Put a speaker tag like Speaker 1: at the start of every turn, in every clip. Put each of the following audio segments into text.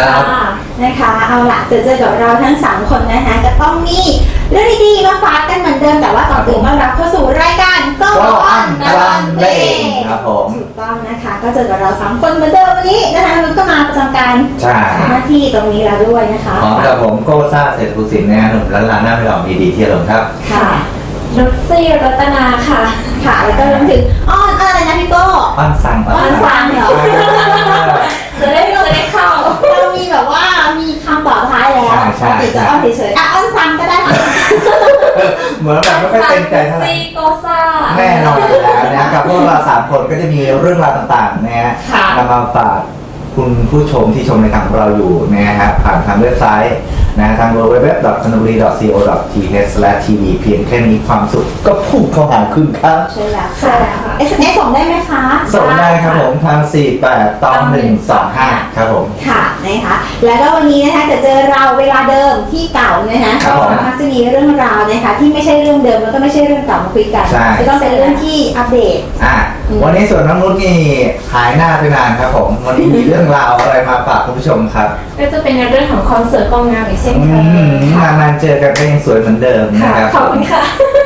Speaker 1: นะคะเอาล่ะเจอกับเราทั้ง3คนนะคะจะต้องมีเรื่องดีๆมาฝากกันเหมือนเดิมแต่ว่าก่อนอื่นมารับเข้าสู่รายการก็อันวันเพลง
Speaker 2: ครับผม
Speaker 1: ถูกต้องนะคะก็เจอกับเรา3คนเหมือนเดิมวันนี้นะคะนุชก็มาประจำการหน้าที่ตรงนี้แล้วด้วยนะคะ
Speaker 2: พร้อมกับผมโก้ซ่าเศรษฐภูสินทร์นะหนุ่มล้านหน้าไม่หลอกดีๆที่อารมณ์ครับ
Speaker 1: ค่ะ
Speaker 3: นุชซี่รัตนาค่ะ
Speaker 1: แล้วก็รวมถึงอ้อนอะไรนะพี่โก้
Speaker 2: อ้อนสั่ง
Speaker 1: อ้อนสั่งเหรอ
Speaker 3: จะได้เข้า
Speaker 1: เรามีแบบว่ามีคำต่อท้ายแล้วติดจะอ้อนเฉยๆอ้อนสั่งก็ได้
Speaker 2: เหมือนแบบไม่ค่อยเต็มใจเท่าไหร่
Speaker 3: ซี่โกซ่า
Speaker 2: แน่นอนอยู่แล้วนะกับพวกเรา3คนก็จะมีเรื่องราวต่างๆนะฮะนำมาฝากคุณผู้ชมที่ชมในทางของเราอยู่นะฮะผ่านทางเว็บไซต์นะทาง www.kanuri.co.th/tv เพียงแค่นี้ความสุขก็พุ่งเข้าหาคุณครับ
Speaker 1: ใช่แล้วค่ะ SMS ส่งได้ไหมคะ
Speaker 2: ส่งได้ครับผมทาง482125ครับผม
Speaker 1: ค่ะนะคะแล้วก็วันนี้นะคะจะเจอเราเวลาเดิมที่เก่านะคะก็มักจะมีเรื่องราวนะคะที่ไม่ใช่เรื่องเดิมแล้วก็ไม่ใช่เรื่องเก่ามาคุยกันจะต้องเป็นเรื่องที่อัปเดต
Speaker 2: วันนี้ส่วนน้องนุชนี่หายหน้าไปนานครับผมวันนี้มีเรื่องราวอะไรมาฝากคุณผู้ชมครับ
Speaker 3: ก็จะเป็นในเรื่องของคอนเสิร์ตกองงามอีกเช่นเคย
Speaker 2: นานๆเจอกันก็ยังสวยเหมือนเดิมนะครับ
Speaker 3: ขอบคุณค่ะ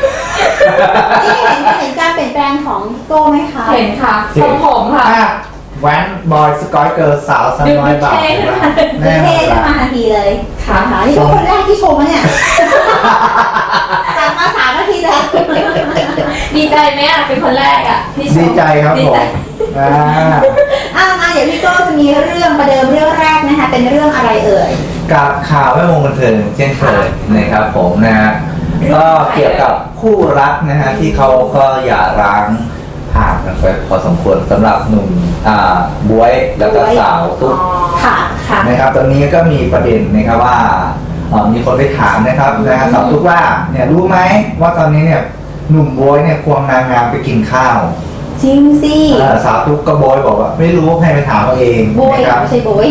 Speaker 1: เห็นการเปลี่ยนแปลงของโก้ไหมคะ
Speaker 3: เห็นค่ะทรงผมค่ะ
Speaker 2: แว้นบอยสกอยเกิร์ลสาวสน้อยบ่าว
Speaker 1: แน่เท่ขึ้นมาทันทีเลยค่ะนี่เป็นคนแรกที่ชมเนี่ยจากมา3 นาทีแล้ว
Speaker 3: ดีใจไหมเป็นคนแรกที่ชม
Speaker 2: ดีใจครับผม
Speaker 1: เดี๋ยวพี่โก้จะมีเรื่องประเดิมเรื่องแรกนะคะเป็นเรื่องอะไรเอ่ย
Speaker 2: กับข่าวแวดวงบันเทิงเช่นเคยนะครับผมนะฮะก็เกี่ยวกับคู่รักนะฮะที่เขาก็อย่าร้างห่างกันไปพอสมควรสำหรับหนุ่มบ๊วยแล้วก็สาวตุ๊กนะครับตอนนี้ก็มีประเด็นนะครับว่ามีคนไปถามนะครับสาวตุ๊กว่าเนี่ยรู้ไหมว่าตอนนี้เนี่ยหนุ่มบ๊วยเนี่ยควงนางงามไปกินข้าว
Speaker 1: จริงสิ
Speaker 2: สาวตุ๊กก็โบยบอกว่าไม่รู้ให้ไปถามเอาเอง
Speaker 1: โบยไม่ใช่โบย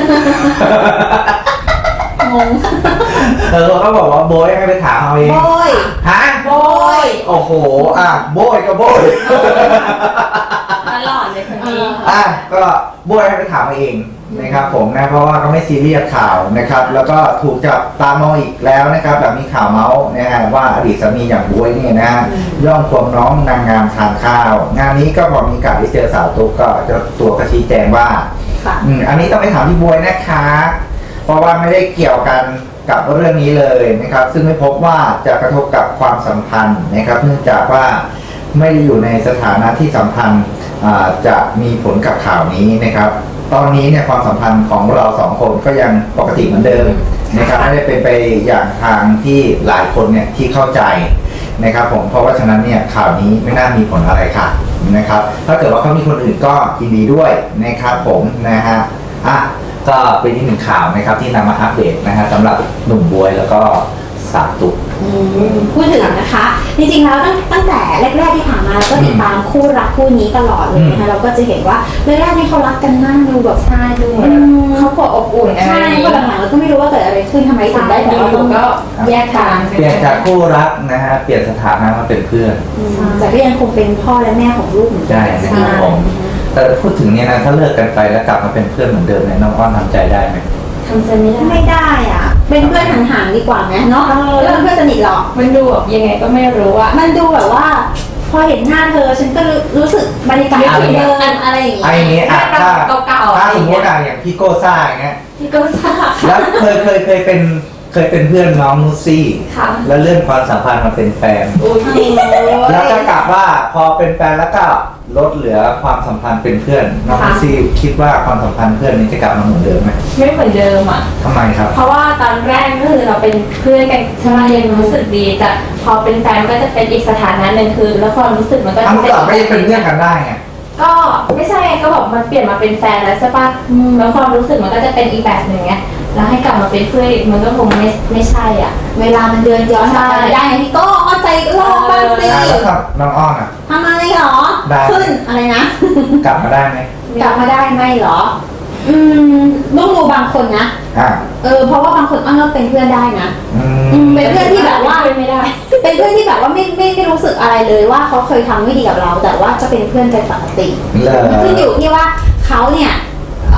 Speaker 1: งง
Speaker 2: เขาบอกว่าโบยให้ไปถามเอาเอง
Speaker 1: โบย
Speaker 2: ฮะ
Speaker 1: โบย
Speaker 2: โอ้โหโบยก็โบย
Speaker 3: ตลอดเลยคนนี้
Speaker 2: ก็โบยให้ไปถามเอาเองนะครับผมนะเพราะว่าเขาไม่ซีเรียสข่าวนะครับแล้วก็ถูกจับตามองอีกแล้วนะครับแบบมีข่าวเมาส์นะฮะว่าอดีตสามีอย่างบ๊วยเนี่ยนะย่อมควงน้องนางงามทานข้าวงานนี้ก็พอมีการที่เจอสาวตุ๊กก็จะตัวกระชี้แจงว่าอันนี้ต้องไปถามที่บ๊วยนะคะเพราะว่าไม่ได้เกี่ยวกันกับเรื่องนี้เลยนะครับซึ่งไม่พบว่าจะกระทบกับความสัมพันธ์นะครับเนื่องจากว่าไม่ได้อยู่ในสถานะที่สัมพันธ์จะมีผลกับข่าวนี้นะครับตอนนี้เนี่ยความสัมพันธ์ของเรา2 คนก็ยังปกติเหมือนเดิมนะครับไม่ได้เป็นไปอย่างทางที่หลายคนเนี่ยที่เข้าใจนะครับผมเพราะว่าฉะนั้นเนี่ยข่าวนี้ไม่น่ามีผลอะไรค่ะนะครับถ้าเกิดว่าเขามีคนอื่นก็ยินดีด้วยนะครับผมนะฮะก็เป็นอีก1 ข่าวนะครับที่นำมาอัปเดตนะฮะสำหรับหนุ่มบ๊วยแล้วก็สาวตุ๊ก
Speaker 1: พูดถึงนะคะจริงๆแล้วตั้งแต่แรกๆที่ผ่านมาเราก็ติดตามคู่รักคู่นี้ตลอดเลยนะคะเราก็จะเห็นว่าแรกๆนี่เขารักกันมากดูแบบใช่ดู
Speaker 3: เขาก็อบอุ่น
Speaker 1: ใช่พอหลังๆเราก็ไม่รู้ว่าเกิดอะไรขึ้นทำไมถึงได้แต่ว่าก็แยกทาง
Speaker 2: เปลี่ยนจากคู่รักนะฮะเปลี่ยนสถานะมาเป็นเพื่อน
Speaker 1: แต่ก็ยังคงเป็นพ่อและแม่ของลูกเหมือนกัน
Speaker 2: ใช่นะครับผมแต่พูดถึงเนี่ยนะถ้าเลิกกันไปแล้วกลับมาเป็นเพื่อนเหมือนเดิมเนี่ยน้องอ้อนทำใจได้ไหม
Speaker 3: ทำใจไม่
Speaker 1: ได้เป็นเพื่อนห่างๆดีกว่าไหมเนาะเรื่องเพื่อนสนิทหรอก
Speaker 3: มันดูแบบยังไงก็ไม่รู้
Speaker 1: มันดูแบบว่าพอเห็นหน้าเธอฉันก็รู้สึกบรรยากาศเดิมอะไรอย่างเงี้ย
Speaker 2: ไอ้นี้
Speaker 3: ถ้า
Speaker 2: สมมติอย่างพี่โก้ซ่าอย่างเงี้ย
Speaker 3: พี่โก้ซ่า
Speaker 2: แล้วเคยเป็นเพื่อนน้องนุชซี่แล้วเลื่อนความสัมพันธ์มาเป็นแฟนแล้วก็กลับว่าพอเป็นแฟนแล้วก็ลดเหลือความสัมพันธ์เป็นเพื่อนน้องนุชซี่คิดว่าความสัมพันธ์เพื่อนนี้จะกลับมาเหมือนเดิมไหม
Speaker 3: ไม่เหมือนเดิม
Speaker 2: ทำไมครับ
Speaker 3: เพราะว่าตอนแรกก็คือเราเป็นเพื่อนกันใช่ไหมยังรู้สึกดีแต่พอเป็นแฟนก็จะเป็นอีกสถานะหนึ่งคือแล้วความรู้สึกมันก็จะ
Speaker 2: ไม่เป็นเพื่อนกันได้ไง
Speaker 3: ก็ไม่ใช่ก็บอกมันเปลี่ยนมาเป็นแฟนแล้วใช่ปะแล้วความรู้สึกมันก็จะเป็นอีกแบบหนึ่งไงแล้วให้กลับมาเป็นเพื่อนมันก็คงไม่ใช่
Speaker 1: เวลามันเดินย้อนกลับไปได้ไงพี่โก้เข้าใจโลกบ้างสิ
Speaker 2: แล้วครับน้องอ้อน
Speaker 1: ทำอะไรหรอขึ้นอะไรนะ
Speaker 2: กลับมาได้ไหม
Speaker 1: กลับมาได้ไหมหรอต้องดูบางคนนะเพราะว่าบางคนอ้อนก็เป็นเพื่อนได้นะเป็นเพื่อนที่แบบว่า
Speaker 3: ไม่ได้
Speaker 1: เป็นเพื่อนที่แบบว่าไม่รู้สึกอะไรเลยว่าเขาเคยทำไม่ดีกับเราแต่ว่าจะเป็นเพื่อนกันปกติขึ้นอยู่ที่ว่าเขาเนี่ย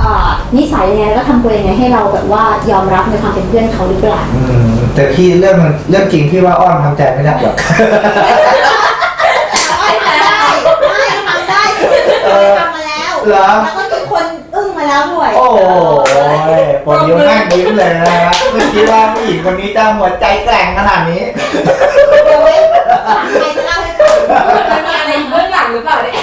Speaker 1: นิสัยยังไงแล้วก็ทำตัวยังไงให้เราแบบว่ายอมรับในความเป็นเพื่อนเขาหรือเปล่า
Speaker 2: แต่พี่เรื่องจริงที่ว่าอ้อนทำใจไม่ได้หรอก
Speaker 1: ไม่ทำได้ทำได้ทำมาแล้ว
Speaker 2: เหรอ
Speaker 1: แล้วก็มีคนอึ้งมาแล้วด้วย
Speaker 2: โอ้ยพอยิ้มนั่งยิ้มเลยนะฮะไม่คิดว่าผู้หญิงคนนี้จะหัวใจแกร่งขนาดนี้
Speaker 1: เดี๋ยวไว้หลังใครจะเล่าให้ฟัง
Speaker 3: มันมีอะไรอยู่เบื้องหลังหรือเปล่าเนี่ย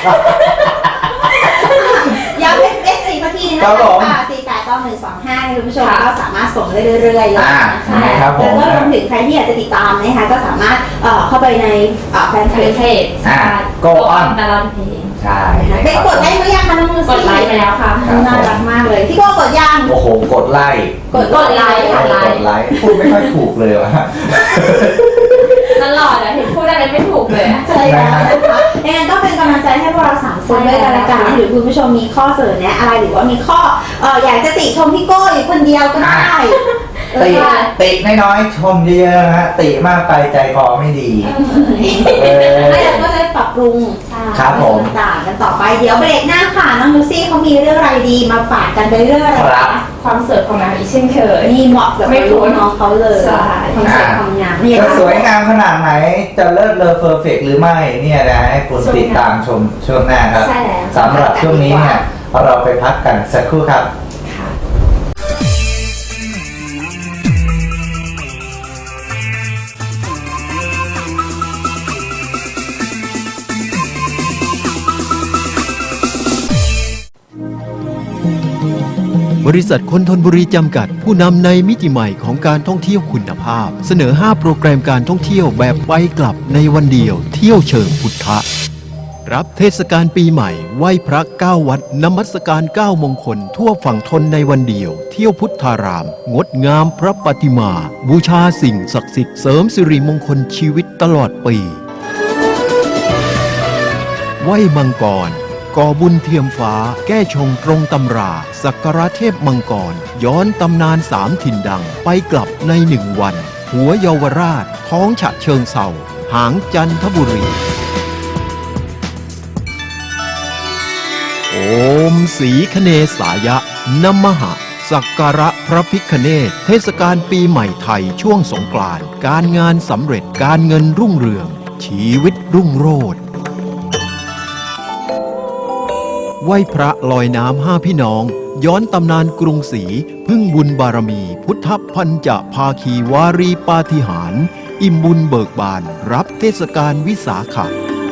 Speaker 1: ย้ำเป็นเอสอีกทีนึงนะคะ4891125คุณผู้ชมก็สามารถส่งได้เรื่อยๆเลยนะคะแล้วก็รวมถึงใครที่อยากจะติดตามนะคะก็สามารถเข้าไปในแฟนเพจ
Speaker 3: โกออนตลอดเพลง
Speaker 2: ใช่
Speaker 1: ไปกดได้หรือยังคะน้องมือก
Speaker 3: ดไลค์ไปแล้วค่ะ
Speaker 1: น่ารักมากเลยพี่โก้กดยัง
Speaker 2: โอ้โหกดไลค์
Speaker 1: กดไลค์ค่ะ
Speaker 2: กดไลค์พูดไม่ค่อยถูกเลยวะ
Speaker 3: ตลอดอะเห็นพูดอะไรไม่ถูกเลยอะ
Speaker 1: ใช่แล้วนะคะยังไงก็เป็นกำลังใจให้พวกเราสามคนด้วยกันละกันหรือคุณผู้ชมมีข้อเสนอแนะอะไรหรือว่ามีข้ออยากจะติชมพี่โก้อยู่คนเดียวก็ได้
Speaker 2: ติน้อยๆชมเยอะๆนะฮะติมากไปใจคอไม่ดี
Speaker 1: แล้วเราก็จะปรับปรุง
Speaker 2: ครับผม
Speaker 1: ต่างๆกันต่อไปเดี๋ยวเบรกหน้าค่ะน้องลูซี่เขามีเรื่องอะไรดีมาฝากกันไปเรื่องอะไร
Speaker 2: ครับ
Speaker 1: นะ
Speaker 3: ความสวยของนางอีกเช่นเคย
Speaker 1: นี่เหมาะกับ
Speaker 3: ไม่พ้น
Speaker 1: น้องเขาเลย
Speaker 3: ใช่
Speaker 1: ความสวยความงามนี่
Speaker 2: จะสวยงามขนาดไหนจะเลิศเลอเฟอร์เฟกหรือไม่เนี่ยนะให้คุณติดตามชมช่วงหน้าครับ
Speaker 3: ใช่แล้ว
Speaker 2: สำหรับช่วงนี้เนี่ยเราไปพักกันสักครู่ครับ
Speaker 3: ค่ะ
Speaker 4: บริษัทคนทนบุรีจำกัดผู้นำในมิติใหม่ของการท่องเที่ยวคุณภาพ เสนอ 5 โปรแกรมการท่องเที่ยวแบบไปกลับในวันเดียวเที่ยวเชิงพุทธะรับเทศกาลปีใหม่ไหว้พระ9วัดนมัสการ9มงคลทั่วฝั่งทนในวันเดียวเที่ยวพุทธาราม งดงามพระปฏิมา บูชาสิ่งศักดิ์สิทธิ์เสริมสิริมงคลชีวิตตลอดปีไหว้มังกรก่อบุญเทียมฟ้าแก้ชงตรงตำราสักการะเทพมังกรย้อนตำนาน3ถิ่นดังไปกลับใน1วันหัวเยาวราชท้องฉะเชิงเศร้าหางจันทบุรีโอมสีคเนสายะนมหะสักการะพระพิฆเนศเทศกาลปีใหม่ไทยช่วงสงกรานต์การงานสำเร็จการเงินรุ่งเรืองชีวิตรุ่งโรจน์ไหว้พระลอยน้ำ5พี่น้องย้อนตำนานกรุงศรีพึ่งบุญบารมีพุทธพันจะภาคีวารีปาฏิหาริย์อิ่มบุญเบิกบานรับเทศกาลวิสาขะ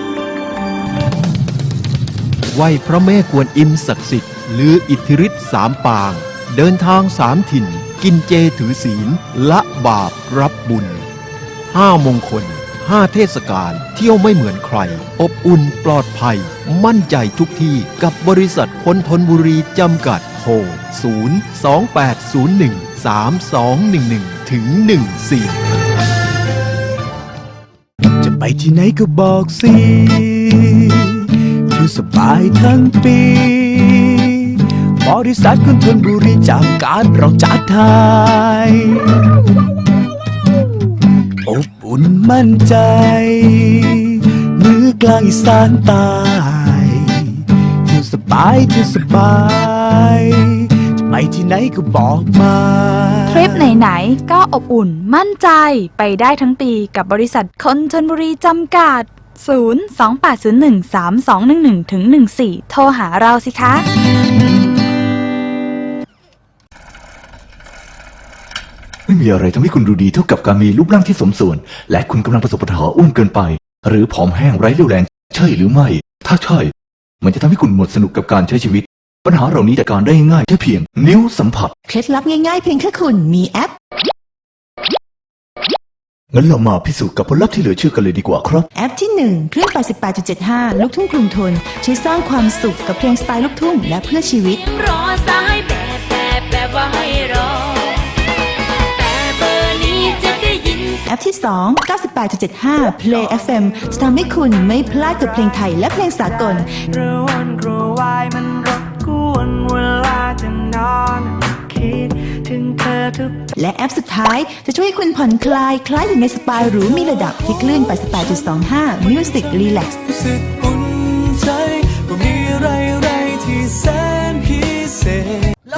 Speaker 4: ไหว้พระแม่กวนอิมศักดิ์สิทธิ์ลืออิทธิฤทธิ์3 ปางเดินทาง3 ถิ่นกินเจถือศีลละบาปรับบุญ5 มงคล5 เทศกาลเที่ยวไม่เหมือนใครอบอุ่นปลอดภัยมั่นใจทุกที่กับบริษัทคนทนบุรีจำกัดโทร028013211ถึง14
Speaker 5: จะไปที่ไหนก็บอกสิคือสบายทั้งปีบริษัทคนทนบุรีจากการเราจัดไทยอบอุ่นมั่นใจเหนือกลางอีสานใต้เที่ยวสบายเที่ยวสบายจะไปที่ไหนก็บอกมา
Speaker 6: ทริปไหนๆก็อบอุ่นมั่นใจไปได้ทั้งปีกับบริษัทคนชลบุรีจำกัด 028013211-14 โทรหาเราสิคะ
Speaker 5: ไม่มีอะไรทำให้คุณดูดีเท่ากับการมีรูปร่างที่สมส่วนและคุณกำลังประสบปัญหาอ้วนเกินไปหรือผอมแห้งไร้เรี่ยวแรงใช่หรือไม่ถ้าใช่มันจะทำให้คุณหมดสนุกกับการใช้ชีวิตปัญหาเหล่านี้จัดการได้ง่ายแค่เพียงนิ้วสัมผัส
Speaker 7: เคล็ดลับง่ายๆเพียงแค่คุณมีแอป
Speaker 5: งั้นเรามาพิสูจน์กับผลลัพธ์ที่เหลือเชื่อกันเลยดีกว่าครับ
Speaker 7: แอปที่ 1 คลื่น 88.75 ลูกทุ่งกรุงทนช่วยสร้างความสุขกับเพลงสไตล์ลูกทุ่งและเพื่อชีวิต
Speaker 8: รอสายแบบว่าให้รอแต่เบอร์นี้จะได้ยิน
Speaker 7: แอปที่ 2 98.75 Play FM จะทำให้คุณไม่พลาดกับเพลงไทยและเพลงสากล
Speaker 9: กระวนกระวายมันรบกวนเวลาจะนอนคิดถึงเธอทุก
Speaker 7: และแอปสุดท้ายจะช่วยให้คุณผ่อนคลายคล้ายอยู่ในสปาหรูมีระดับที่คลื่น 88.25 Music Relax
Speaker 9: รู้สึกอุ่นใจว่ามีอะไรที่แสนพิเศษ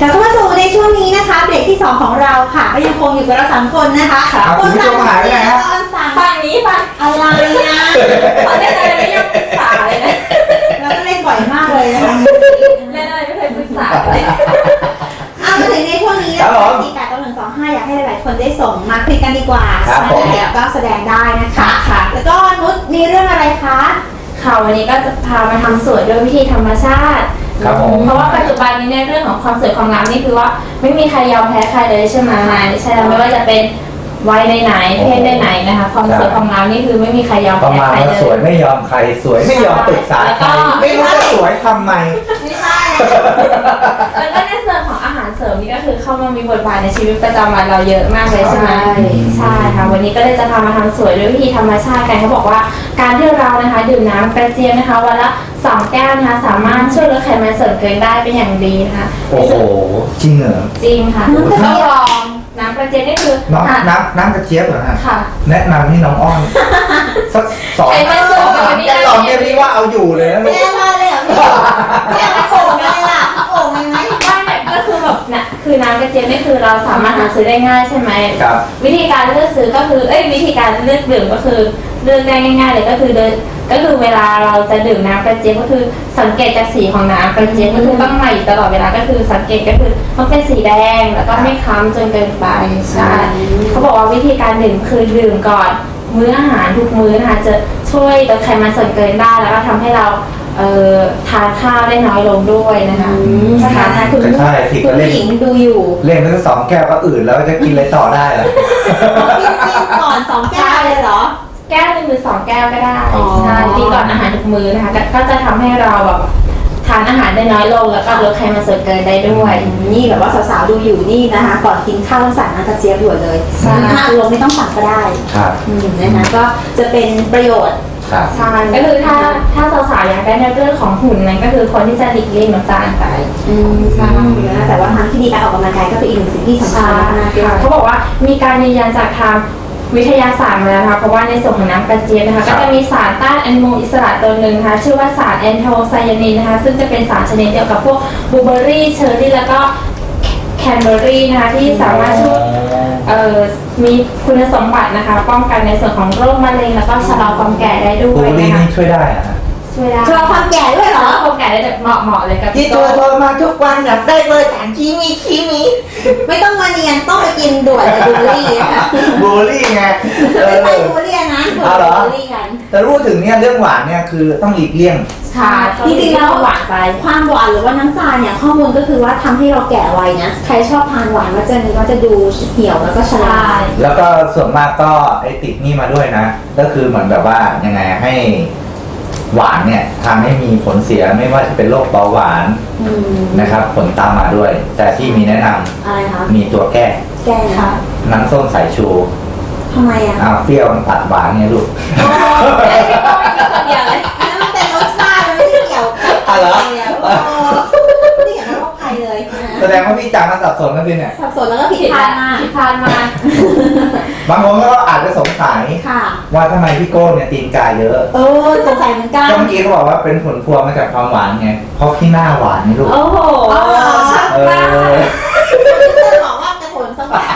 Speaker 1: กลับเข้ามาสู่ในช่วงนี้นะคะเบรกที่ 2 ของเราค่ะก็ยังคงอยู่กับเรา3 คนนะคะ
Speaker 2: ครับคุณผู้ชมหายไปไหนฮะ
Speaker 3: ฝั่งนี้ฝั่ง
Speaker 1: อะไรนะ
Speaker 3: เขาเล่นอะไรไม่ยอมปรึกษาเลยนะ
Speaker 1: เราก็เล่นบ่อยมากเลยนะคะ
Speaker 3: เล่นอะไรไม่เคยปรึกษาเลย
Speaker 1: เอามาถึงในช่วงนี้นะคะ48125อยากให้หลายๆคนได้ส่งมาคุยกันดีกว่า
Speaker 2: ครับผม
Speaker 1: แล้วก็แสดงได้นะคะ
Speaker 3: ค่ะ
Speaker 1: แล้วก็นุชมีเรื่องอะไรคะ
Speaker 3: ค่ะวันนี้ก็จะพามาทำสวยด้วยวิธีธรรมชาติ
Speaker 2: ครับผม
Speaker 3: เพราะว่าปัจจุบันนี้ในเรื่องของความสวยความงามนี่คือว่าไม่มีใครยอมแพ้ใครเลยใช่ไหมใช่แล้วไม่ว่าจะเป็นวัยไหนๆเพศไหนๆนะคะความสวยความงามนี่คือไม่มีใครยอม
Speaker 2: ประ
Speaker 3: แพ้
Speaker 2: มาณ
Speaker 3: ใคร
Speaker 2: ว่า
Speaker 3: เล
Speaker 2: สวย
Speaker 3: ย
Speaker 2: ไม่ยอมใครสวยไม่ยอมปรึกษาใครไม่รู้จะสวยทำไม
Speaker 1: ไม่ใช่
Speaker 3: แล้วก็ในส่วนของอาหารเสริมนี่ก็คือเข้ามามีบทบาทในชีวิตประจำวันเราเยอะมากเลยใช่ไหมใช่ค่ะวันนี้ก็เลยจะพามาทำสวยด้วยวิธีธรรมชาติกันเขาบอกว่าการที่เรานะคะดื่มน้ำกระเจี๊ยบนะคะวันละ2 แก้วนะคะสามารถช่วยลดไขมันส่วนเกินได้เป็นอย่างดีนะคะ
Speaker 2: โอ้โหจริงเหรอ
Speaker 3: จริงค่ะต้องลองน้ำกระเจี๊ยบนี่คือ
Speaker 2: น้ำกระเจี๊ยบเหรอฮะ
Speaker 3: ค่ะ
Speaker 2: แนะนำให้น้องอ้อนสัก2 3 แก้วลองเนี่ยพี่ว่าเอาอยู่เลยนะลูก
Speaker 1: แม่มาเลยเหรอพี่แม่มาโขงเลยล่ะโขงเลยไหม
Speaker 3: ว่าเนี่ยก็คือแบบนะคือน้ำกระเจี๊ยบนี่คือเราสามารถหาซื้อได้ง่ายใช่ไหม
Speaker 2: ครับ
Speaker 3: วิธีการเลือกซื้อก็คือวิธีการเลือกดื่มก็คือเลือกได้ง่ายๆเลยก็คือเวลาเราจะดื่มน้ำกระเจี๊ยบก็คือสังเกตจากสีของน้ำกระเจี๊ยบก็คือต้องใหม่อยู่ตลอดเวลาก็คือสังเกตก็คือต้องเป็นสีแดงแล้วก็ไม่ค้ำจนเกินไปใช่เขาบอกว่าวิธีการดื่มคือดื่มก่อนมื้ออาหารทุกมื้อนะคะจะช่วยลดไขมันส่วนเกินได้แล้วก็ทำให้เราทานข้าวได้น้อยลงด้วยนะคะ
Speaker 1: นะคะคุณ
Speaker 2: ก็ใช่สิ
Speaker 1: คุ
Speaker 2: ก็
Speaker 1: ณ
Speaker 2: เล่น
Speaker 1: ผู้หญิงดูอยู่
Speaker 2: เล่นไปสัก2 แก้วก็อื่นแล้วจะกินอะไรต่อได้ล่ะ
Speaker 1: กินก่อน2 แก้วเลยเหรอ
Speaker 3: แก้วหนึ่งหรือ2 แก้วก็ได้
Speaker 1: อ๋อ
Speaker 3: ใช่กินก่อนอาหารทุกมื้อนะคะก็จะทำให้เราแบบทานอาหารได้น้อยลงแล้วก็ลดไขมันส่วนเกินได้ด้วย
Speaker 1: นี่แบบว่าสาวๆดูอยู่นี่นะคะ ก่อนกินข้าวต้องสั่งน้ำกระเจี๊ยบด่วนเลย
Speaker 3: ใช่
Speaker 1: 5 โลไม่ต้องสั่งก็ได้
Speaker 2: ครับ
Speaker 1: นะคะก็จะเป็นประโยชน์
Speaker 2: ครับ
Speaker 3: ใช่ก็คือถ้าสาวๆอยากได้ในเรื่องของหุ่นนั้นก็คือคนที่จะหลีกเลี่ยงน้ำตาลไป
Speaker 1: ใช่นะแต่ว่าทางที่ดีการออกกำลังกายก็เป็นอีกหนึ่งสิ่งที่สำคัญมากๆด้วย
Speaker 3: เขาบอกว่ามีการยืนยันจากทางวิทยาศาสตร์มาแล้วนะคะเพราะว่าในส่วนของน้ำกระเจี๊ยบนะคะก็จะมีสารต้านอนุมูลอิสระตัวหนึ่งนะคะชื่อว่าสารแอนโทไซยานินนะคะซึ่งจะเป็นสารชนิดเดียวกับพวกบลูเบอร์รี่เชอร์รี่แล้วก็แคนเบอร์รี่นะคะที่สามารถช่วยมีคุณสมบัตินะคะป้องกันในส่วนของโรคมะเร็งแล้วก็ชะลอความแก่ได้ด้
Speaker 2: บู
Speaker 3: วย
Speaker 2: ลลี่
Speaker 3: นะคะ
Speaker 2: นี่ช่วยได้อะ
Speaker 3: ช่วยได้
Speaker 1: ชะลอความแก่ด้วยเหรอ
Speaker 3: ชะลอความแก่ได้แบบเหมาะเลยกับ
Speaker 2: ที่ตัวโทรมาทุกวันอยากได้เบอร์ฐานคีมี
Speaker 1: ไม่ต้องมาเนียนต้องไปกินด่วนเลยบูลลี่นะคะ
Speaker 2: บูลลี่ไง
Speaker 1: ไม่ใช่บูลลี่นะด่วน
Speaker 2: เอาเหรอ
Speaker 1: บูลลี่กัน
Speaker 2: แต่พูดถึงเนี่ยเรื่องหวานเนี่ยคือต้องหลีกเลี่ยง
Speaker 3: ค่ะ
Speaker 1: จริงๆแล้ว
Speaker 3: หวานไป
Speaker 1: ความหวานหรือว่าน้ำตาลเนี่ยข้อมูลก็คือว่าทำให้เราแก่ไวนะใครชอบทานหวานก็จะดูเหี่ยวแล้วก็ชรา
Speaker 2: แล้วก็ส่วนมากก็ไอติดนี่มาด้วยนะ ก็คือเหมือนแบบว่ายังไงให้หวานเนี่ยทำให้มีผลเสียไม่ว่าจะเป็นโรคเบาหวาน
Speaker 1: อืม
Speaker 2: นะครับ ผลตามมาด้วย แต่ที่มีแนะนำ
Speaker 1: อะไรคะ
Speaker 2: มีตัวแก้
Speaker 1: แก้ค่ะ
Speaker 2: น้ำส้มสายชู
Speaker 1: ทำไมอ่ะ
Speaker 2: อ้าวเปรี้ยวมันตัดหวานไงลูก
Speaker 3: เดียวเลย
Speaker 1: อันนั้นมันเป็นรสชาติมันไม่ได้เกี่ยวกับ
Speaker 2: อ๋อเหรอ
Speaker 1: ไม่ได้เกี่ยวกับโรคภัยเลยนะ
Speaker 2: แสดงว่าพี่จางมาสับสนกันสิเนี่ย
Speaker 1: สับสนแล้วก็ผิดพลาดมาก
Speaker 3: ผิดพลาดมาก
Speaker 2: บางคนก็อาจจะสงสัย
Speaker 1: ค่ะ
Speaker 2: ว่าทำไมพี่โก้เนี่ยตีนกาเยอะ
Speaker 1: สงสัยเหมือนกัน
Speaker 2: ก็เมื่อกี้เขาบอกว่าเป็นผลพวงมาจากความหวานไง เพราะพี่หน้าหวานนี่ลูก
Speaker 3: โอ้โห
Speaker 1: ช่าง
Speaker 2: เอ
Speaker 1: มาก
Speaker 2: อ
Speaker 1: จะบอกว่าจะผลสมบัติ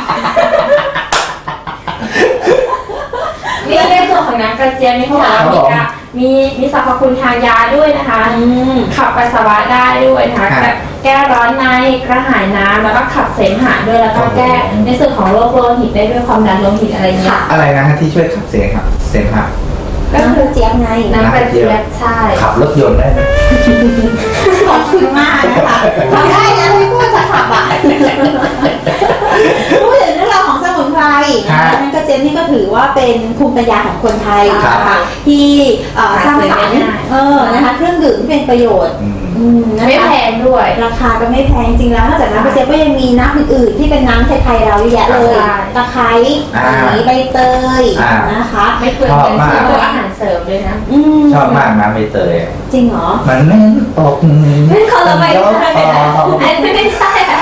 Speaker 3: นี่ในส่วนของน้ำกระเจี๊ยบนี่เขาบอกว่ามีสรรพคุณทางยาด้วยนะคะ ขับปัสสาวะได้ด้วยนะคะแก้ร้อนในกระหายน้ำแล้วก็ขับเสมหะด้วยแล้วก็แก้ในส่วนของโรคโลหิตได้ด้วยความดันโลหิตอะไรเงี้ย
Speaker 2: อะไรนะฮะที่ช่วยขับเสียงครับเสมหะ
Speaker 3: ก็คือ
Speaker 1: เจี๊ยบไง
Speaker 3: น้ำกระเจี๊ยบใช่
Speaker 2: ขับรถยนต์ได้ไหม
Speaker 1: ขอบคุณมากนะคะทำได้นะพี่พูดจะขับอ่ะพูดถึงเรื่องราวของสมุนไพรนะคะนั่นก็เจนนี่ก็ถือว่าเป็นภูมิปัญญาของคนไทยนะคะที่สร้างสรรค์นะคะเครื่องดื่มที่เป็นประโยชน์นะคะ
Speaker 3: ไม่แพงด้วย
Speaker 1: ราคาก็ไม่แพงจริงแล้วนอกจากน้ำกระเจี๊ยบก็ยังมีน้ำอื่นๆที่เป็นน้ำไทยๆเราเยอะแยะเลยตะไคร้ใบเตยนะคะ
Speaker 3: ไม่เปลืองเงินซื้อตัวอาหารเสริมด้วยนะ
Speaker 2: ชอบมากนะใบเตย
Speaker 1: จริงเหรอ
Speaker 2: มันแน่นตก
Speaker 3: ไม่คนละใบเตยเลยนะอันไม่ใช่อะ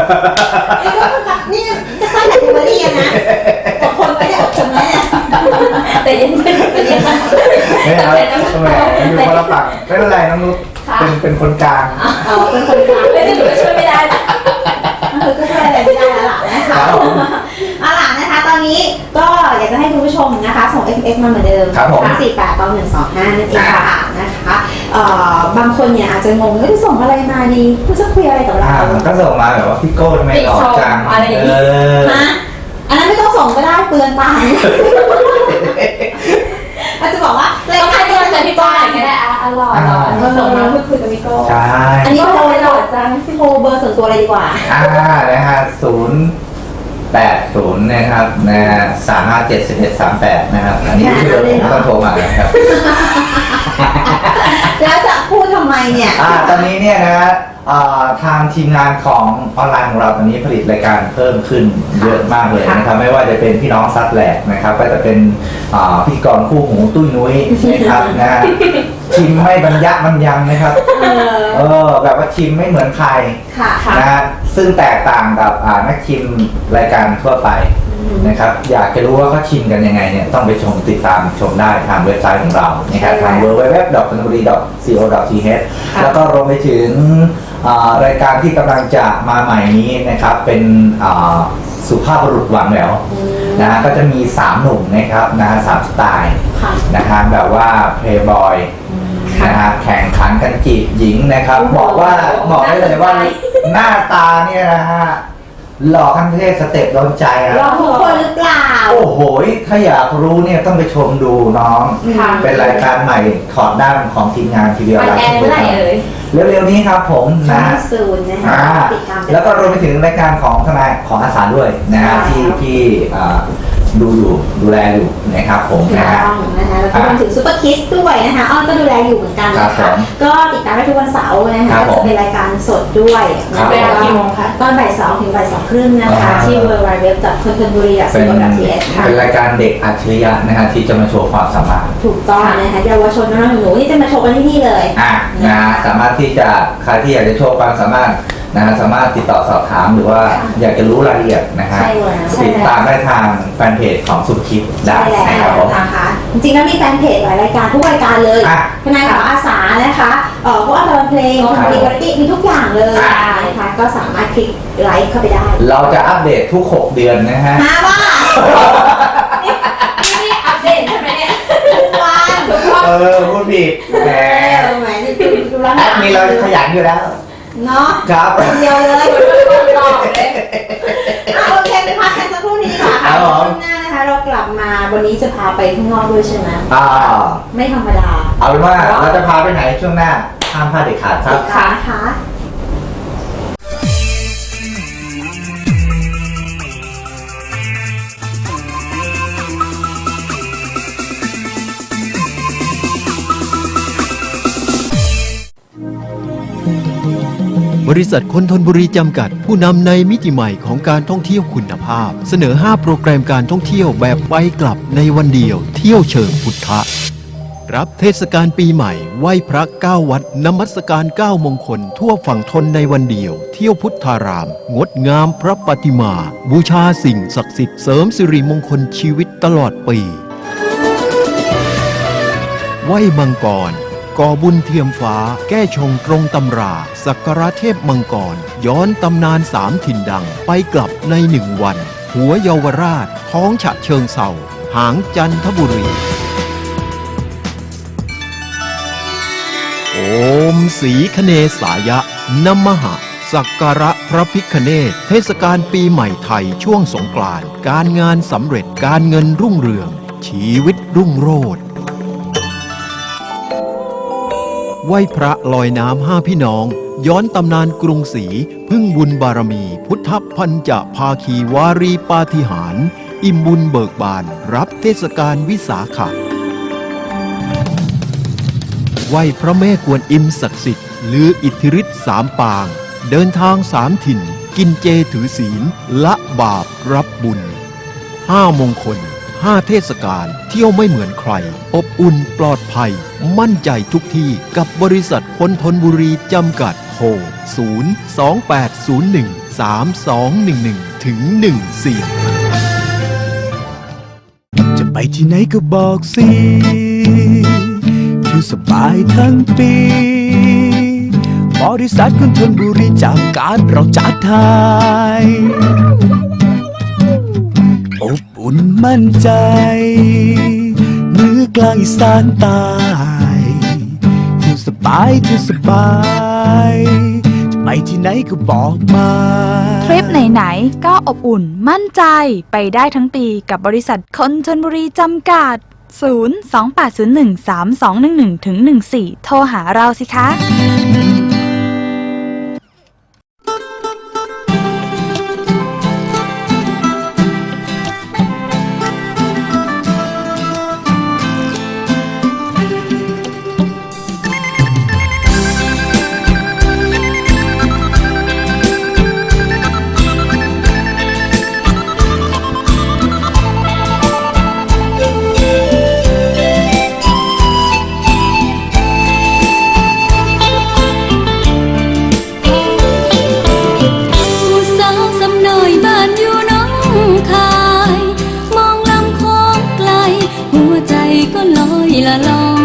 Speaker 1: นี่จะสร้างแคตตาล็อกนะอดทนไปเนี่ยอดทนไว้เนี่ย
Speaker 3: แต่ยังไม่เป็นยังไง
Speaker 2: ไม่เอาทำไมอยู่คนละฝั่งไม่เป็นไรน้องนุชเป็นคนกลาง
Speaker 1: เป็นคนกลาง
Speaker 3: ไม่ได้หนูช่วยไม่ได้นะ
Speaker 1: นะคะเอาล่ะนะคะตอนนี้ก็อยากจะให้คุณผู้ชมนะคะส่ง SMS มาเหมือนเดิม
Speaker 2: ครับผม
Speaker 1: 48 125 นั่นเองค่ะนะคะบางคนเนี่ยอาจจะงงว่าส่งอะไรมาดีคุณจะคุยอะไรกับเรา
Speaker 2: ก็ส่งมาแบบว่าพี่โก้ทำไมหล่อจัง
Speaker 3: อะไรอย่างนี้
Speaker 1: นะอันนั้นไม่ต้องส่งก็ได้เปลืองตังค์อาจจะบอกว่า
Speaker 3: ต้องให้เงินจากพี่โก้หน่อยก็ได้อร่อยส่งมาพูดคุยกับพี่โก้
Speaker 2: ใช่
Speaker 1: อันนี้โทร
Speaker 3: หล่อจัง
Speaker 1: โทรเบอร์ส่วนตัวเลยดีกว่า
Speaker 2: นะฮะ080นะครับนะฮะ357138นะครับอันนี้คือผมต้องโทรมานะครับ
Speaker 1: แล้วจะพูดทำไมเนี่ย
Speaker 2: ตอนนี้เนี่ยนะฮะทางทีมงานของออนไลน์ของเราตอนนี้ผลิตรายการเพิ่มขึ้นเยอะมากเลยนะครับไม่ว่าจะเป็นพี่น้องซัดแหลกนะครับก็จะเป็นพิธีกรคู่หูตุ้ยนุ้ยนะครับนะฮะชิมไม่บรรยังนะครับแบบว่าชิมไม่เหมือนใคร
Speaker 1: ค่ะ
Speaker 2: นะฮะซึ่งแตกต่างกับนักชิมรายการทั่วไปนะครับอยากจะรู้ว่าเขาชิมกันยังไงเนี่ยต้องไปติดตามชมได้ทางเว็บไซต์ของเรานะครับทาง www.chonburi.co.th แล้วก็รวมไปถึงรายการที่กำลังจะมาใหม่นี้นะครับเป็นสุภาพบุรุษหวังแหววนะฮะก็จะมี3หนุ่มนะครับนะฮะ3สไตล์นะฮะแบบว่าเพลย์บอยนะฮะแข่งขันกันจีบหญิงนะครับบอกได้เลยว่าหน้าตาเนี่ยนะฮะหล่อขั้นเทพสเต็ปโดนใจนะ
Speaker 1: รอทุกคนหรือเปล่า
Speaker 2: โอ้โหถ้าอยากรู้เนี่ยต้องไปชมดูน้อง เป็นรายการใหม่ถอดด้านของทีมงานทีวีออนไลน์
Speaker 3: เมื่อไหร่เอ่ย
Speaker 2: เร็วๆนี้ครับผมนะ
Speaker 1: ศูนย์นะคะติดตาม
Speaker 2: แล้วก็รวมไปถึงรายการของทนายของอาสาด้วยนะฮะที่ดูแลอยู่นะครับผมนะฮะ
Speaker 1: นะคะแล้วก็รวมถึงซุปเปอร์คิสด้วยนะคะอ้อนก็ดูแลอยู่เหมือนกันนะคะก็ติดตามได้ทุกวันเสาร์นะคะจะเป็นรายการสดด้วยเวลากี่โมงคะตอนบ่าย 2 ถึงบ่าย 2 ครึ่งนะคะที่ www.kontonburi.co.th ค่ะ
Speaker 2: เป็นรายการเด็กอัจฉริยะนะฮะที่จะมาโชว์ความสามารถ
Speaker 1: ถูกต้องนะคะเยาวชนน้องๆหนูๆนี่จะมาโชว์กันที่นี่เลย
Speaker 2: นะฮะสามารถที่จะใครที่อยากจะโชว์ความสามารถนะฮะสามารถติดต่อสอบถามหรือว่าอยากจะรู้รายละเอียดนะฮะติดตามได้ทางแฟนเพจของสุคิดได้
Speaker 1: ใช่
Speaker 2: นะครับผม
Speaker 1: นะคะจริงๆแล้วมีแฟนเพจหลายรายการทุกรายการเลยทนายของอาสานะคะพวกอัลบั้มเพลงมีวาไรตี้มีทุกอย่างเลยนะคะก็สามารถคลิกไลค์เข้าไปได้
Speaker 2: เราจะอัปเดตทุก6เดือนนะฮะ
Speaker 1: มาว่า
Speaker 3: นี่อัปเดตใช่ไหมเนี่ย
Speaker 1: ทุกวันทุกวัน
Speaker 2: พูดผิดแหม
Speaker 1: แหมดูแล้ว
Speaker 2: แอดมินเราขยันอยู่แล้ว
Speaker 1: เนาะ
Speaker 2: ครับ
Speaker 1: คนเดียวเลย
Speaker 3: ตอบเลย
Speaker 1: โอเคไปพักกันสักครู่นี้ค่ะช่วงหน้านะคะเรากลับมาวันนี้จะพาไปข้างนอกด้วยใช่ไหมไม่ธรรมดา
Speaker 2: เอาเป็นว่าเราจะพาไปไหนช่วงหน้าห้ามพลาดเด็ดขาดครับ
Speaker 1: ค่ะ
Speaker 4: บริษัทคนทนบุรีจำกัดผู้นำในมิติใหม่ของการท่องเที่ยวคุณภาพ เสนอ 5 โปรแกรมการท่องเที่ยวแบบไปกลับในวันเดียวเที่ยวเชิงพุทธะรับเทศกาลปีใหม่ไหว้พระ9วัดนมัสการ9มงคลทั่วฝั่งทนในวันเดียวเที่ยวพุทธารามงดงามพระปฏิมาบูชาสิ่งศักดิ์สิทธิ์เสริมสิริมงคลชีวิตตลอดปีไหว้มังกรก่อบุญเทียมฟ้าแก้ชงตรงตำราสักการะเทพมังกรย้อนตำนาน3ถิ่นดังไปกลับใน1วันหัวเยาวราชท้องฉะเชิงเทราหางจันทบุรีโอมสีคเนสายะนมหะสักการะพระพิฆเนศเทศกาลปีใหม่ไทยช่วงสงกรานต์การงานสำเร็จการเงินรุ่งเรืองชีวิตรุ่งโรจน์ไหว้พระลอยน้ำ5 พี่น้องย้อนตำนานกรุงศรีพึ่งบุญบารมีพุทธพันจะภาคีวารีปาฏิหาริย์อิ่มบุญเบิกบานรับเทศกาลวิสาขะไหว้พระแม่กวนอิมศักดิ์สิทธิ์ลืออิทธิฤทธิ์3 ปางเดินทาง3 ถิ่นกินเจถือศีลละบาปรับบุญ5 มงคล5 เทศกาลเที่ยวไม่เหมือนใครอบอุ่นปลอดภัยมั่นใจทุกที่กับบริษัทคนทนบุรีจำกัดโทร028013211ถึง14
Speaker 9: จะไปที่ไหนก็บอกสิอยู่สบายทั้งปีบริษัทคนทนบุรีจำกัดเราจัดไทยอุ่นมั่นใจเหนือกลางอีสานใต้เที่ยวสบายเที่ยวสบายจะไปที่ไหนก็บอกมา
Speaker 6: ทริปไหนๆก็อบอุ่นมั่นใจไปได้ทั้งปีกับบริษัทคนชลบุรีจำกัด 028013211-14 โทรหาเราสิคะ
Speaker 8: ผู้สาวสำน้อยบ้านอยู่หน้องคาย มองลำโค้งไกล หัวใจก็ลอยละล่อง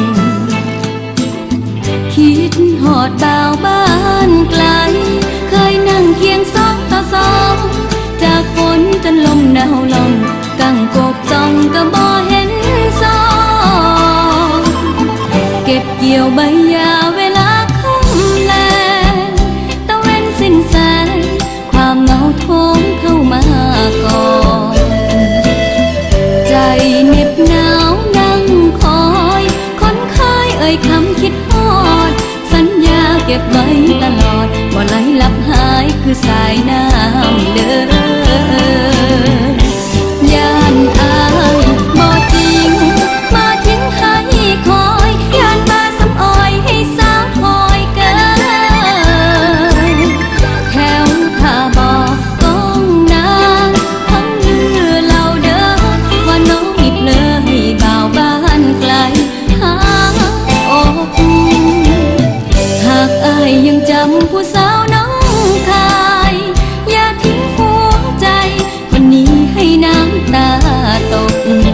Speaker 8: คิดหอดบ่าวบ้านไกล เคยนั่งเคียงสองต่อสอง จากฝนจนลมหนาวลง กังกบจ้องก็บ่เห็นสอง เก็บเกี่ยวใบหญ้าเวลาค่ำแลงตะเว้นสิ้นแสง ความเหงาโถมเข้ามาก่อน ใจเหน็บหนาวนั่งคอยคนเคยเอ่ยคำคิดฮอด สัญญาเก็บไว้ตลอดบ่ไหลลับหายคือสายน้ำเดินย่านอายบ่จริงมาทิ้งให้คอยย่านมาสำอ้อยให้สาวคอยเกินแถวท่าบ่ก้องนางทั้งลือเล่าเด้อว่าน้องอีกเลยบ่าวบ้านไกลหาอกหากอายยังจำผู้สาวน้องคายอย่าทิ้งหัวใจวันนี้ให้น้ำตาตก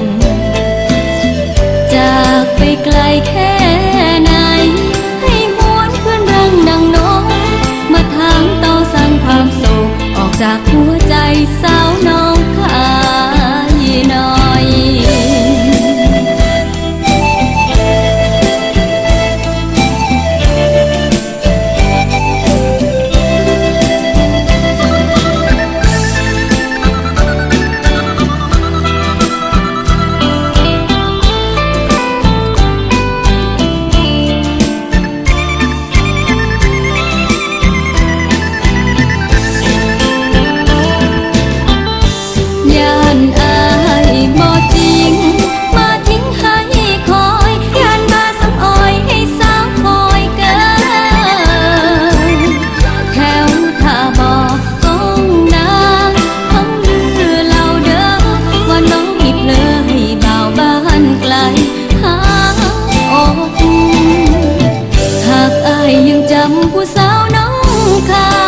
Speaker 8: จากไปไกลแค่ไหน ให้หวนเพื่อนรังดังน้องมาทางต่อสร้างความโศกออกจากหัวใจสาวน้องคายหน่อย ย่านอายบ่จริงมาทิ้งให้คอยย่านมาสำอ้อยให้สาวคอยเกินแถวท่าบ่ก้องนางทั้งลือเล่าเด้อว่าน้องอีกเลยบ่าวบ้านไกลหาอกหากอายยังจำผู้สาวน้องคา